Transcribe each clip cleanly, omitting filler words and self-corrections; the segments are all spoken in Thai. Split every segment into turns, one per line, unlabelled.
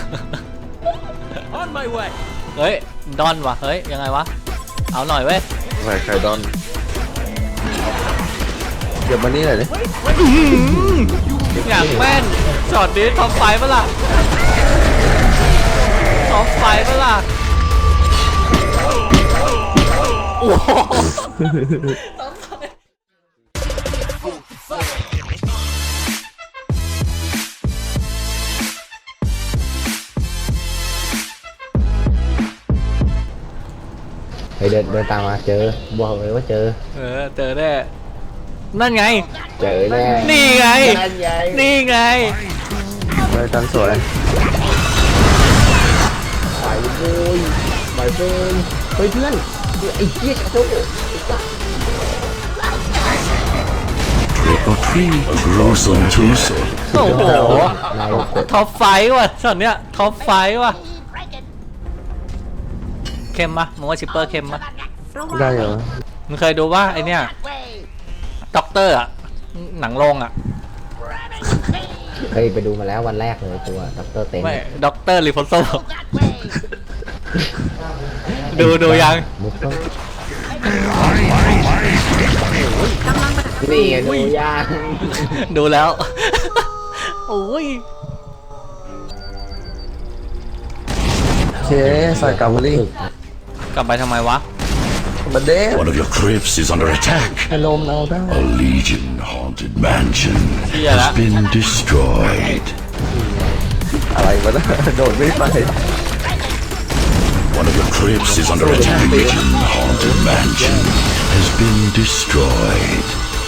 On my way
เฮ้ยดอนวะเฮ้ยยังไงวะเอาหน่อยเว้ย
ใครดอนเดี๋ยวมานี่หน่อยดิ
อยากแม่นช็อตนี้ท็อปไฟปะล่ะท็อปไฟปะล่ะโอ้โห
ไปเดินตามมาเจอบอกเลยว่าเจอ
เจอแน่นั่นไง
เจอแน่
นี่ไง
นั่นไง
นี่ไง
ไปจันสวย
ไปเลยไปเพื่อนเฮ้ยเพื่อนไอ้เจี๊ยโจ้
Gruesome Tuesday.
โอ้โห
นายกด
ท็อปไฟว่ะช็อตเนี้ยท็อปไฟว่ะเค็มปะมึงว่าชิปเปอร์เค็มปะ
ได้เหรอ
มึงเคยดูว่าไอเนี้ยด็อกเตอร์อะหนังโรงอะ
เคยไปดูมาแล้ววันแรกเลยตัวดรเต็น
ไม่ด็อกเตอร์รีโพโซดูยัง
มุกต้องนี่ไงดูยาง
ดูแล้วโอ้ย
โอเคใส่กลับมาดิ
กลับไปทำไมวะ
มาเด้
One of your crypts is under attack.
ให้ลมเราได้
A Legion haunted mansion
Yeah.
has been destroyed.
อะไรวะนะโดดไม่ไป
One of your crypts is under attack. Legion haunted mansion has been destroyed.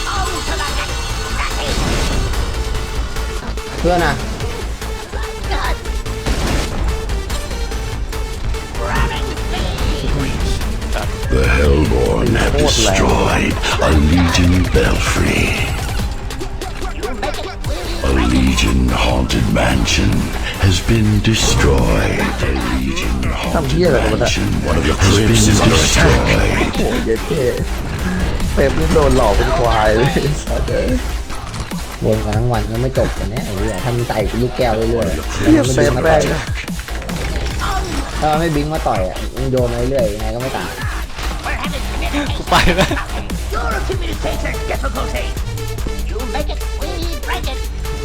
เพื่อนอ่ะ
The Hellborn have destroyed a Legion belfry. A Legion haunted mansion has been destroyed. A Legion haunted mansion. One of your crypts is under attack.
โอ้ยเย้เท่เป๊ปนี่โดนหลอกเป็นควายเลยเดี๋ยว
วนกันทั้งวันก็ไม่จบกันเนี่ยไอ้เหี้ยถ้ามันใส่ลูกแก้วเรื่อยๆ
เหี้ยเป๊ปแม่ง
ถ้าไม่บิงมาต่อยอ่ะมึงโยนมาเรื่อยๆยังไงก็ไม่ตาย
กูไปแล้ว
Your communicator difficulty You make it we break it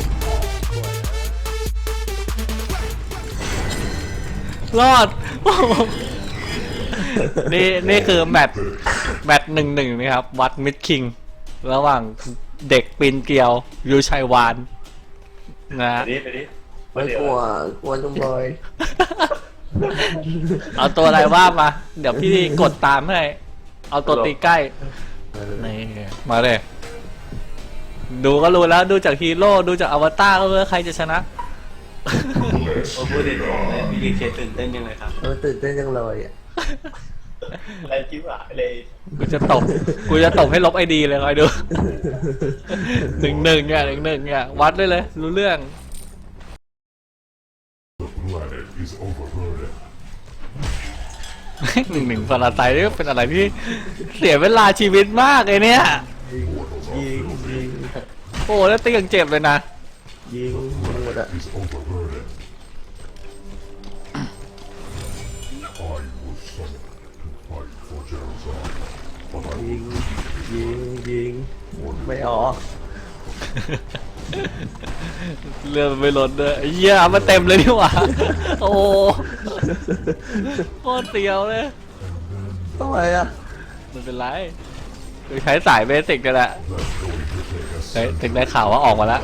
รอดโอ้โหนี่คือแมตช์1-1นะครับวัดมิดคิงระหว่างเด็กปีนเกลียวยูชัยวานนะ
ไม่กลัวจังเลย
เอาตัวอะไรว่ามา เดี๋ยวพี่กดตามให้เอาตัวตีใกล้นี่มาเลยดูก็รู้แล้วดูจากฮีโร่ดูจากอวตารก็รู้แล้วใครจะชนะ
พูดเด็ดของเลยพี่ดีเคตื่นเต้นยังเลยครับ
ตื่นเต้นจังเลยอ่ะ
อะไรจิ้วหายเลย
กูจะตบให้ลบไอดีเลยคอยดู 1-1เนี่ยวัดได้เลยรู้เรื่อง 1-1 ฟาราไซนี่เป็นอะไรที่เสียเวลาชีวิตมากไอเนี่ยโอ้แล้วตียังเจ็บเลยนะ
ยิงหมดอ่ะยิงไม่ออก
เรือมันไม่ล้นด้วยเหี้ยมาเต็มเลยนี่หว่าโอ้โหโคตรเตียวเลย
ทำไมอ่ะ
ไม่เป็นไรคือใช้สายเบสิกกันแหละเฮ้ยถึงได้ข่าวว่าออกมาแล้ว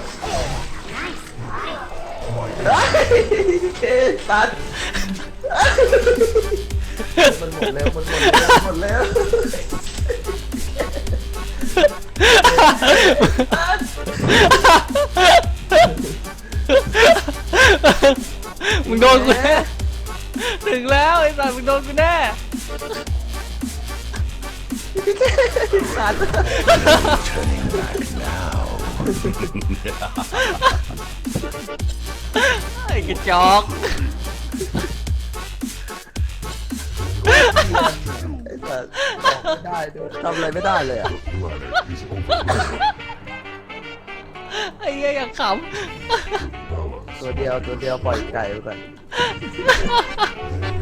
เอ๊ะตัดมันหมดแล้วหมดแล้ว
มึงโดนกูแน่ถึงแล้วไอ้สัตว์มึงโดนกูแน่
Turning back now.
ไอ้กระจอก
ไม่ได้ด้วยทำอะไรไม่ได้เลยอ่ะ
ไอ้เหี้ยอยากขำ
ตัวเดียวปล่อยไก่ไปก่อน